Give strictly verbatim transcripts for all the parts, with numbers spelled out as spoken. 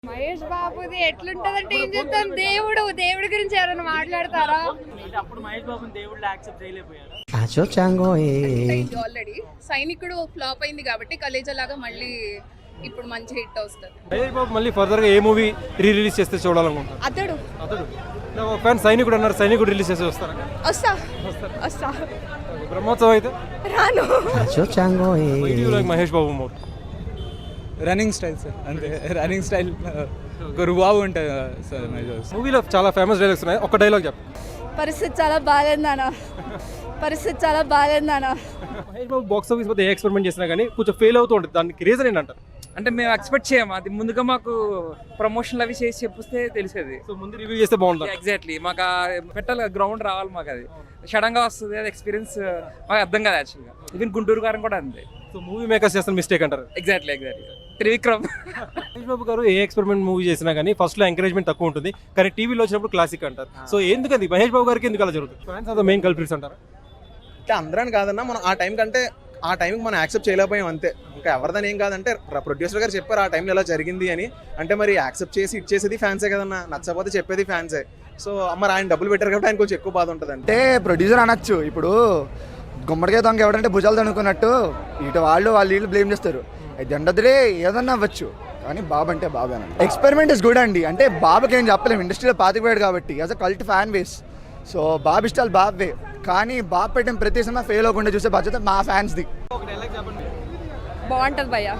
మహేష్ బాబుది ఎట్లుంటదంటే ఏం చెప్తాం, దేవుడు దేవుడి గురించి ఎవరైనా మాట్లాడతారా? అప్పుడు మహేష్ బాబుని దేవుళ్ళు యాక్సెప్ట్ చేయలేకపోయారు. ఆల్రెడీ సైనికుడు ఫ్లాప్ అయింది కాబట్టి కలేజా లాగా మళ్ళీ ఇప్పుడు మంచి హిట్ వస్తుంది. మహేష్ బాబు మళ్ళీ ఫర్దర్ గా ఏ మూవీ రీ రిలీజ్ చేస్తే చూడాలనుకుంటారు? అతడు అతడు ఫ్యాన్ సైనికుడు అన్నారు, సైనికుడు రిలీజ్ చేస్తే వస్తారా? వస్తా వస్తా బ్రహ్మోత్సవం అయితే రాను. Mahesh Babu more running style sir, అంతే. రన్నింగ్ స్టైల్ గురుబాబు ఉంటుంది సార్. మూవీలో చాలా ఫేమస్ డైలాగ్స్ ఉన్నాయి, ఒక డైలాగ్ చెప్పు. పరిస్థితి చాలా బాగాలేదు నాన్న, పరిస్థితి చాలా బాగాలేదు నాన్న. మహేష్ బాబు బాక్స్ ఆఫీస్ వద్ద ఏ ఎక్స్పెరిమెంట్ చేసినా కానీ కొంచెం ఫెయిల్ అవుతూ ఉంటుంది, దానికి రీజన్ ఏంటంటారు? అంటే మేము ఎక్స్పెక్ట్ చేయము, అది ముందుగా మాకు ప్రమోషన్లు అవి చేసి చెప్పిస్తే తెలిసేది. సో ముందు రివ్యూ చేస్తే బాగుంటుంది. ఎగ్జాక్ట్లీ మాకు పెట్టాలి, గ్రౌండ్ రావాలి మాకు, అది సడన్గా వస్తుంది, అది ఎక్స్పీరియన్స్ మాకు అర్థం కాదు యాక్చువల్గా. ఈవెన్ గుంటూరు గారం కూడా అంతే. సో మూవీ మేకర్స్ చేస్తున్న మిస్టేక్ అంటారు. Exactly exactly Trivikram. మహేష్ బాబు గారు ఏ ఎక్స్పెరిమెంట్ మూవీ చేసినా కానీ ఫస్ట్ లో ఎంకరేజ్మెంట్ తక్కువ ఉంటుంది, కానీ టీవీలో వచ్చినప్పుడు క్లాసిక్ అంటారు. సో ఎందుకది మహేష్ బాబు గారికి ఎందుకు అలా జరుగుతుంది? Fans are the main culprits అంటారు. అంటే అందరని కాదన్నా, మనం ఆ టైం కంటే ఆ టైంకి మనం యాక్సెప్ట్ చేయలేకపోయాం అంతే. ఇంకా ఎవరిదని ఏం కాదంటే ప్రొడ్యూసర్ గారు చెప్పారు ఆ టైంలో ఇలా జరిగింది అని, అంటే మరి యాక్సెప్ట్ చేసి ఇచ్చేసేది ఫ్యాన్సే కదన్నా, నచ్చకపోతే చెప్పేది ఫ్యాన్సే. సో మరి ఆయన డబ్బులు పెట్టారు కాబట్టి ఆయన కొంచెం ఎక్కువ బాధ ఉంటుంది. అంటే ప్రొడ్యూసర్ అనొచ్చు, ఇప్పుడు గుమ్మడికాయ దొంగ ఎవడంటే భుజాలు తనుకున్నట్టు ఇటు వాళ్ళు వాళ్ళు వీళ్ళు బ్లేమ్ చేస్తారు. అది ఎండదులే ఏదన్నా అవ్వచ్చు, కానీ బాబు అంటే బాబే అనండి. ఎక్స్పెరిమెంట్ ఇస్ గుడ్ అండి, అంటే బాబుకి ఏం చెప్పలేము, ఇండస్ట్రీలో పాతిపోయాడు కాబట్టి as a cult fan base. So Babu ఇష్టాలు బాబే, కానీ బాబు పెట్టిన ప్రతి సినిమా ఫెయిల్ అవ్వకుండా చూసే బాధ్యత మా ఫ్యాన్స్ది. బాగుంటది భయ్యా.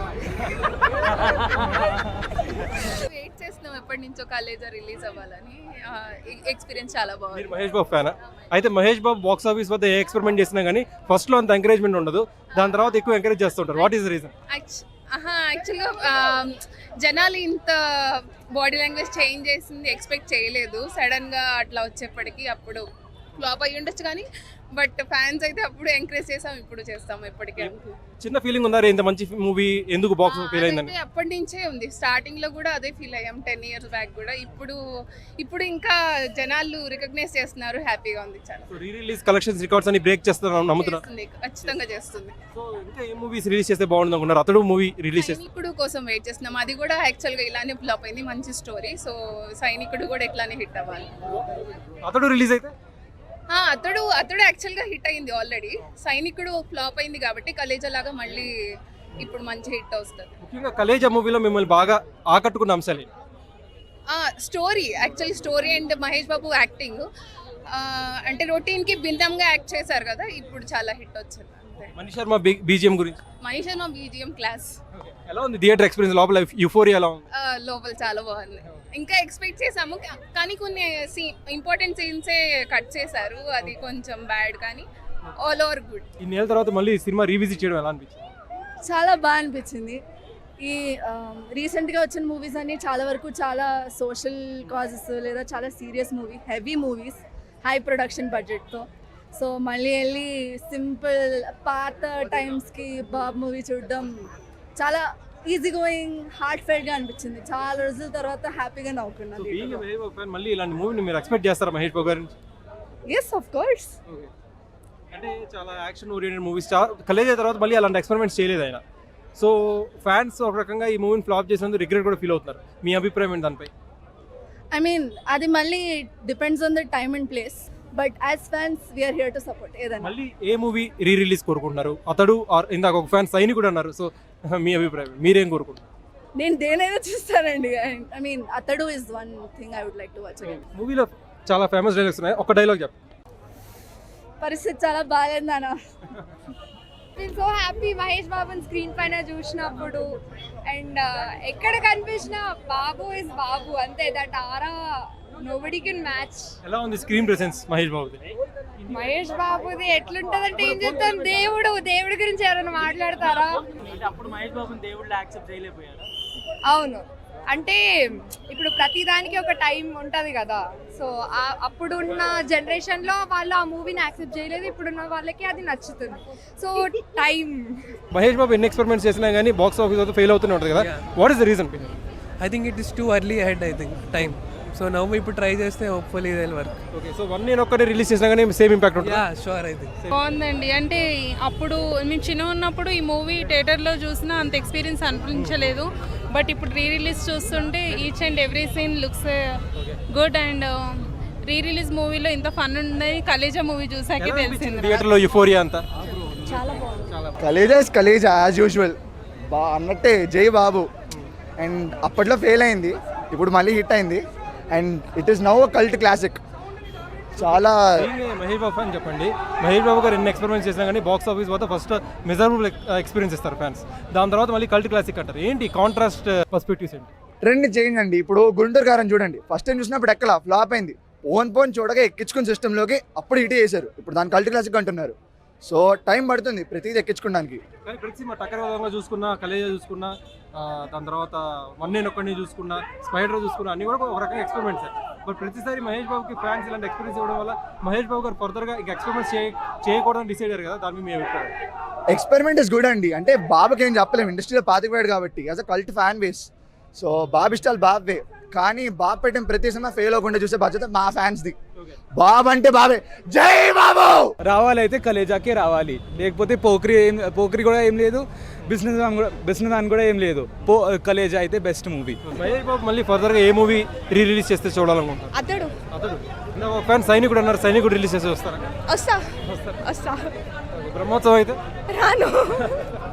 వెయిట్ చేస్తున్నాం ఎప్పటి నుంచో కాలేజా రిలీజ్ అవ్వాలని. ఎక్స్పీరియన్స్ చాలా బాగుంది. మహేష్ బాబు ఫ్యానా? అయితే మహేష్ బాబు బాక్స్ ఆఫీస్ వద్ద ఏ ఎక్స్పెరిమెంట్ చేసినా కానీ ఫస్ట్ లో అంత ఎంకరేజ్మెంట్ ఉండదు, దాని తర్వాత ఎక్కువ ఎంకరేజ్ చేస్తుంటారు. What is the reason? యాక్చువల్గా జనాలు ఇంత బాడీ లాంగ్వేజ్ చేంజ్ చేసింది ఎక్స్పెక్ట్ చేయలేదు. సడన్గా అట్లా వచ్చేప్పటికి అప్పుడు ఫ్లాప్ అయ్యి ఉండొచ్చు, కానీ బట్ ఫ్యాన్స్ అయితే అప్పుడు ఎంకరేజ్ చేసాం, ఇప్పుడు చేస్తాము ఎప్పటికీ. చిన్న ఫీలింగ్ ఉందా ఇంత మంచి మూవీ ఎందుకు బాక్స్ ఫెయిల్ అయిందని? అప్పటి నుంచే ఉంది, స్టార్టింగ్ లో కూడా అదే ఫీల్ అయ్యాం, టెన్ ఇయర్స్ బ్యాక్ కూడా. ఇప్పుడు ఇప్పుడు ఇంకా జనాలు రికగ్నైజ్ చేస్తున్నారు, హ్యాపీగా ఉంది చాలా. రీ రిలీజ్ కలెక్షన్స్ రికార్డ్స్ అని బ్రేక్ చేస్తున్నారు నమ్ముతున్నారు? ఖచ్చితంగా చేస్తుంది. సో ఇంకా ఏ మూవీస్ రిలీజ్ చేస్తే బాగుంది అనుకున్నారు? అతడు మూవీ రిలీజ్ చేస్తే సైనికుడు కోసం వెయిట్ చేస్తున్నాం, అది కూడా యాక్చువల్ గా ఇలానే ఫ్లాప్ అయింది, మంచి స్టోరీ. సో సైనికుడు కూడా ఇట్లానే హిట్ అవ్వాలి. అతడు రిలీజ్ అయితే అతడు అతడు యాక్చువల్ గా హిట్ అయింది ఆల్రెడీ. సైనికుడు ఫ్లాప్ అయింది కాబట్టి కలేజా లాగా మళ్ళీ ఇప్పుడు మంచి హిట్ వస్తుంది. ముఖ్యంగా కలేజా మూవీలో మిమ్మల్ని బాగా ఆకట్టుకున్న అంశాలు? Story, actually story and Mahesh Babu acting, అంటే రొటీన్ కి భిన్నంగా యాక్ట్ చేశారు కదా, ఇప్పుడు చాలా హిట్ వచ్చింది. మనీష్ శర్మ బీజిఎం గురించి? Manish Sharma BGM class. ఎలా ఉంది థియేటర్ ఎక్స్పీరియన్స్? లోపల యూఫోరియా ఎలా ఉంది? లోపల చాలా బాగుంది. ఇంకా ఎక్స్పెక్ట్ చేసాము, కానీ కొన్ని ఇంపార్టెంట్ సీన్సే కట్ చేశారు, అది కొంచెం బ్యాడ్, కానీ ఆల్ ఓవర్ గుడ్. ఇన్నేళ్ళ తర్వాత మళ్ళీ సినిమా రీవిజిట్ చేయడం ఎలా అనిపించింది? చాలా బాగా అనిపించింది. ఈ రీసెంట్గా వచ్చిన మూవీస్ అన్ని చాలా వరకు చాలా సోషల్ కాజెస్ లేదా చాలా serious movie, heavy movies, high production బడ్జెట్తో. సో మళ్ళీ వెళ్ళి సింపుల్ పాత టైమ్స్కి బాబు మూవీ చూడడం చాలా ఈజీ గోయింగ్, హార్ట్ ఫెల్ట్గా అనిపించింది. చాలా రోజుల తర్వాత హ్యాపీగా నవ్వుకున్నాను. మళ్ళీ ఇలాంటి మూవీని మీరు ఎక్స్పెక్ట్ చేస్తారా మహేష్ బాబు గారి నుంచి? Yes of course. అంటే చాలా యాక్షన్ ఓరియంటెడ్ మూవీస్ కలేజా తర్వాత మళ్ళీ అలాంటి ఎక్స్పెరిమెంట్స్ చేయలేదు ఆయన. సో ఫ్యాన్స్ ఒక రకంగా ఈ మూవీని ఫ్లాప్ చేసినందుకు రిగ్రెట్ కూడా ఫీల్ అవుతున్నారు. మీ అభిప్రాయం ఏంటి దానిపై? ఐ మీన్ అది మళ్ళీ depends on the time and place, but as fans we're here to support. ఏదైనా మళ్ళీ ఏ మూవీ రీ రిలీజ్ కోరుకుంటున్నారు? అతడు ఇందాక ఒక ఫ్యాన్ సైనికుడు అన్నారు, సో మీ అభిప్రాయం మీరేం కోరుకుంటున్నారు? నేను దేనైనా చూస్తానండి. I mean Athadu is one thing I would like to watch again. మూవీలో చాలా ఫేమస్ డైలాగ్స్ ఉన్నాయి, ఒక డైలాగ్ చెప్పు. పరిస్థితి చాలా బాగాలేదు నాన్న. నేను సో హ్యాపీ మహేష్ బాబుని స్క్రీన్ పైన చూసినప్పుడు, అండ్ ఎక్కడ కనిపించినా బాబు ఇస్ బాబు, అంతే. That aura nobody can match. ఎలా ఉంది స్క్రీన్ ప్రెసెన్స్ మహేష్ బాబుది? మహేష్ బాబుది ఎట్లుంటదంటే ఏం చెప్తాం, దేవుడు దేవుడి గురించి ఎవరైనా మాట్లాడతారా? అప్పుడు మహేష్ బాబుని దేవుళ్ళు యాక్సెప్ట్ చేయలేకపోయారు. అవును, అంటే ఇప్పుడు ప్రతి దానికి ఒక టైం ఉంటుంది కదా. సో అప్పుడున్న జనరేషన్లో వాళ్ళు ఆ మూవీని యాక్సెప్ట్ చేయలేదు, ఇప్పుడున్న వాళ్ళకి అది నచ్చుతుంది. So time. మహేష్ బాబు ఎన్ని ఎక్స్పెరిమెంట్స్ చేసినా కానీ బాక్స్ ఆఫీస్ వద్ద ఫెయిల్ అవుతూనే ఉంటుంది కదా, what is the reason? I think it is too early ahead, I think time. So నవ్వు ఇప్పుడు ట్రై చేస్తే హోప్ఫుల్లీ ఇది will work. Okay, so one నేను ఒక్కటే రిలీజ్ చేసినా కానీ సేమ్ ఇంపాక్ట్ ఉంటుంది? Yeah sure. ఐ థింక్ బాగుందండి. అంటే అప్పుడు మేము చిన్న ఉన్నప్పుడు ఈ మూవీ థియేటర్లో చూసినా అంత ఎక్స్పీరియన్స్ అనిపించలేదు. బట్ ఇప్పుడు రీ రిలీజ్ చూస్తుంటే each and every scene looks good and re release మూవీలో ఇంత ఫన్ ఉంది కలేజా మూవీ చూసాకే తెలిసింది. థియేటర్లో యుఫోరియా అంతా చాలా బాగుంది. Khaleja is Khaleja as usual బా అన్నట్టే జై బాబు. అండ్ అప్పట్లో ఫెయిల్ అయింది, ఇప్పుడు మళ్ళీ హిట్ అయింది. And it is now cult classic. చాలా Being a మహేష్ బాబు అని చెప్పండి, మహేష్ బాబు గారు ఎన్ని ఎక్స్పెరిమెంట్స్ చేసినా కానీ బాక్స్ ఆఫీస్ వద్ద ఫస్ట్ మెజరబుల్ ఎక్స్పీరియన్స్ ఇస్తారు ఫ్యాన్స్. దాని తర్వాత మళ్ళీ కల్ట్ క్లాసిక్ అంటారు. ఏంటి కాంట్రాస్ట్ పర్స్పెక్టివ్స్ ఏంటి? ట్రెండ్ చేంజ్ అండి. ఇప్పుడు గుంటూరు గారం చూడండి, ఫస్ట్ టైం చూసినప్పుడు ఎక్కలా ఫ్లాప్ అయింది, ఓన్ పోన్ చూడగా ఎక్కించుకుని సిస్టంలోకి అప్పుడు ఇటే చేశారు. ఇప్పుడు దాని కల్ట్ క్లాసిక్ అంటున్నారు. సో టైం పడుతుంది ప్రతిదీ ఎక్కించుకోవడానికి. కానీ ప్రతి సినిమా టక్కర విధంగా చూసుకున్నా, కలేజా చూసుకున్నా, ఆ, దాని తర్వాత వన్ నేను ఒక్కడిని చూసుకున్నా, స్పైడర్ చూసుకున్నా, అన్ని కూడా ఒక రకంగా ఎక్స్పెరిమెంట్స్. బట్ ప్రతిసారి మహేష్ బాబుకి ఫ్యాన్స్ ఇలాంటి ఎక్స్పీరియన్స్ ఇవ్వడం వల్ల మహేష్ బాబు గారు ఫర్దర్గా ఇంకా ఎక్స్పెరిమెంట్స్ చేయ చేయకూడదని డిసైడ్ అయ్యారు కదా, దాని మీద మీ అభిప్రాయం? ఎక్స్పెరిమెంట్ ఇస్ గుడ్ అండి. అంటే బాబుకి ఏం చెప్పలేము, ఇండస్ట్రీలో పాతిపోయాడు కాబట్టి as a cult fan base. So Babu ఇష్టాలు బాబే, కానీ బాబు పెట్టిన ప్రతి సినిమా ఫెయిల్ అవ్వకుండా చూసే బాధ్యత మా ఫ్యాన్స్ది. బాబు అంటే బాబే, జై బాబు. రావాలి అయితే కలేజాకే రావాలి, లేకపోతే పోక్రి ఏం పోక్రి కూడా ఏం లేదు, బిజినెస్ మ్యాన్ కూడా బిజినెస్ మ్యాన్ కూడా ఏం లేదు. పో కలేజా అయితే బెస్ట్ మూవీ. మహేష్ బాబు మళ్ళీ ఫర్దర్గా ఏ మూవీ రీ రిలీజ్ చేస్తే చూడాలనుకుంటారు? అతడు అతడు ఫ్యాన్ సైనికుడు అన్నారు, సైనికుడు రిలీజ్ చేస్తే వస్తారా? వస్తా వస్తా బ్రహ్మోత్సవం అయితే రాను